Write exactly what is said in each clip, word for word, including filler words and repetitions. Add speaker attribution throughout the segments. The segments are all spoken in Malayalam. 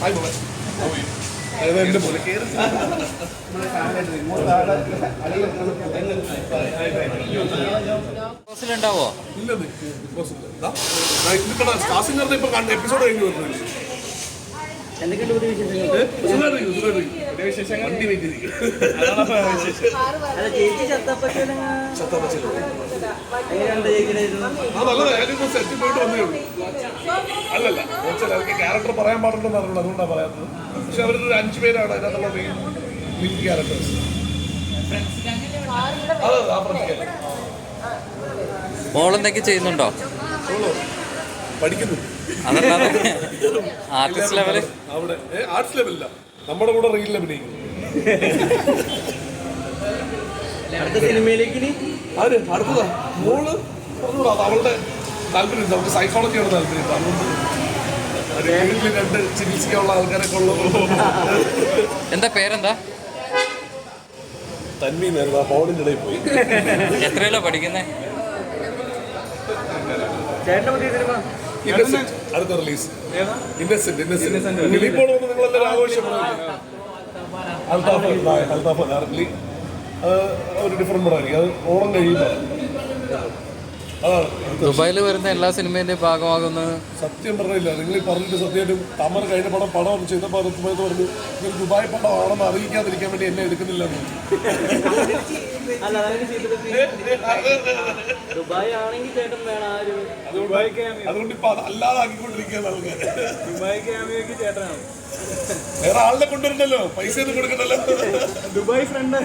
Speaker 1: ഉണ്ടാവോ? എപ്പിസോഡ് കഴിഞ്ഞു വരുന്നില്ല. അല്ലല്ല, ക്യാരക്ടർ പറയാൻ പാടുണ്ടെന്ന് അറിയുള്ളൂ, അതുകൊണ്ടാണ് പറയാത്തത്. പക്ഷെ അവരൊരു അഞ്ചു പേരാണ് അതിനകത്തുള്ള മെയിൻ മെയിൻ ക്യാരക്ടേഴ്സ്.
Speaker 2: മോളെന്തൊക്കെ ചെയ്യുന്നുണ്ടോ?
Speaker 1: പഠിക്കുന്നു.
Speaker 2: ആർട്ടിസ്റ്റ് ലെവല്
Speaker 1: അവിടെ ആർട്സ് ലെവലില്ല, നമ്മുടെ കൂടെ റീലിൽ അഭിനയിക്കുന്നു. ആര് അടുത്തതാ മോള് പറഞ്ഞൂടാ, അവളുടെ താല്പര്യം. നമുക്ക് സൈക്കോളജിയാണ് താല്പര്യം. അതുകൊണ്ട് രണ്ട് ചികിത്സിക്കാനുള്ള ആൾക്കാരൊക്കെ ഉള്ളത്.
Speaker 2: എന്താ പേരെന്താ?
Speaker 1: തന്മീന്നായിരുന്നു. ആ ഫോണിൻ്റെ ഇടയിൽ പോയി.
Speaker 2: എത്രയല്ലോ പഠിക്കുന്നേ?
Speaker 1: അടുത്ത റിലീസ് ഇന്നസെന്റ് ഇന്നസെന്റ് ഇപ്പോൾ വന്ന് നിങ്ങളെല്ലാവരും ആഘോഷമാണ്. അൽത്താഫ് അർലി ഒരു ഡിഫറെന്റ് പടമായിരിക്കും. അത് ഓണം കഴിയുമ്പോൾ അതാണ്.
Speaker 2: ദുബായിൽ വരുന്ന എല്ലാ സിനിമേന്റെയും ഭാഗമാകുന്നത്
Speaker 1: സത്യം പറഞ്ഞില്ല. നിങ്ങൾ പറഞ്ഞിട്ട് സത്യമായിട്ടും തമർ കഴിഞ്ഞ പടം പടം ചെയ്തപ്പോൾ അത് സമയത്ത് പറഞ്ഞു ഇതൊരു ദുബായ് പടമാണെന്ന് അറിയിക്കാതിരിക്കാൻ വേണ്ടി എന്നെ എടുക്കുന്നില്ല. അതുകൊണ്ട് ഇപ്പൊ അല്ലാതെ ആക്കിക്കൊണ്ടിരിക്കുകയാണ് ആൾക്കാർ. വേറെ ആളിനെ കൊണ്ടുവരണ്ടല്ലോ, പൈസ ഒന്നും കൊടുക്കണ്ടല്ലോ.
Speaker 3: ദുബായ് ഫ്രണ്ട്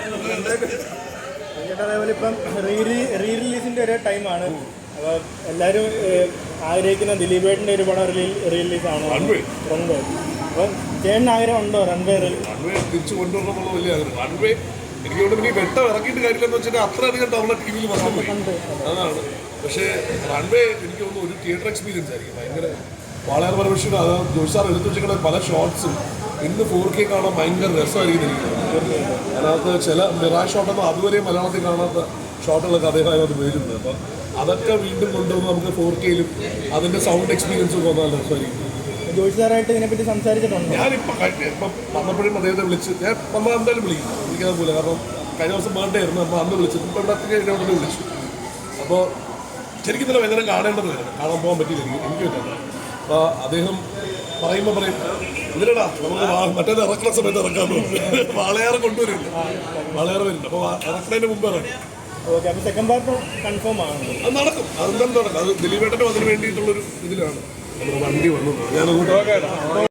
Speaker 3: അതേപോലെ ഇപ്പം റീ റീ റിലീസിൻ്റെ ഒരു ടൈമാണ്. അപ്പോൾ എല്ലാവരും ആഗ്രഹിക്കുന്ന ദിലീപേട്ടൻ്റെ ഒരു പടം റിലീ റിലീസാണ് റൺവേ. അപ്പം ചേട്ടന് ആഗ്രഹം ഉണ്ടോ റൺവേ
Speaker 1: റൺവേ തിരിച്ചു കൊണ്ടുവരണമെന്നുള്ള വലിയ ആഗ്രഹം. റൺവേ എനിക്ക് കൊണ്ട് പിന്നെ വെട്ടം ഇറക്കിയിട്ട് കാര്യമില്ലെന്ന് വെച്ചാൽ അത്രയധികം തവണ ടി വിയിൽ വരാൻ പോയി അതാണ്. പക്ഷേ റൺവേ എനിക്ക് തോന്നുന്നു ഒരു തിയേറ്റർ എക്സ്പീരിയൻസ് ആയിരിക്കും. ഭയങ്കര വളരെ പരമേശ്വരം. അത് ജോഷ് സാർ എടുത്തു വെച്ചിരിക്കുന്ന പല ഷോട്ട്സും ഇന്ന് ഫോർ കെ കാണാൻ ഭയങ്കര രസമായിരിക്കും എനിക്ക്. അതിനകത്ത് ചില മിറാ ഷോട്ടൊന്നും അതുവരെ മലയാളത്തിൽ കാണാത്ത ഷോട്ടുകളൊക്കെ അദ്ദേഹം അതിനകത്ത് വരുന്നത്. അപ്പം അതൊക്കെ വീണ്ടും കൊണ്ടുവന്ന് നമുക്ക് ഫോർ കെയിലും അതിൻ്റെ സൗണ്ട് എക്സ്പീരിയൻസും തോന്നാൻ രസമായിരിക്കും.
Speaker 3: ജോഷി സാറായിട്ട് ഇതിനെപ്പറ്റി സംസാരിച്ചിട്ടുണ്ട്.
Speaker 1: ഞാനിപ്പോൾ ഇപ്പം വന്നപ്പോഴും അദ്ദേഹത്തെ വിളിച്ച് ഞാൻ നമ്മൾ എന്തായാലും വിളിക്കും. എനിക്കതുപോലെ കാരണം കഴിഞ്ഞ ദിവസം ബർത്ത്ഡേ ആയിരുന്നു. അപ്പോൾ അന്ന് വിളിച്ചു. ഇപ്പോൾ ഇവിടെ അത്രയും കഴിഞ്ഞ ഉടനെ വിളിച്ചു. അപ്പോൾ ശരിക്കും തന്നെ ഭയങ്കര കാണേണ്ടത് കാണാൻ പോകാൻ പറ്റിയില്ല എനിക്ക് എനിക്ക് പറ്റില്ല. അപ്പോൾ അദ്ദേഹം പറയുമ്പോൾ പറയും ഇതിലടാ നമുക്ക് മറ്റേത് ഇറക്കുന്ന സമയത്ത് ഇറക്കാൻ തോന്നും. വാളയാറ് കൊണ്ടുവരില്ല, വാളയാറ് വരുന്നുണ്ട്. അപ്പോൾ ഇറക്കുന്നതിന് മുമ്പ് ഇറങ്ങും.
Speaker 3: ഓക്കെ, അപ്പോൾ സെക്കൻഡ് പാർട്ട് കൺഫേം ആണ്.
Speaker 1: അത് നടക്കും. അതെന്തായാലും നടക്കും. അത് ദിലീപേട്ടനും അതിന് വേണ്ടിയിട്ടുള്ളൊരു ഇതിലാണ് നമ്മുടെ വണ്ടി വന്നത്. ഞാനങ്ങോട്ട്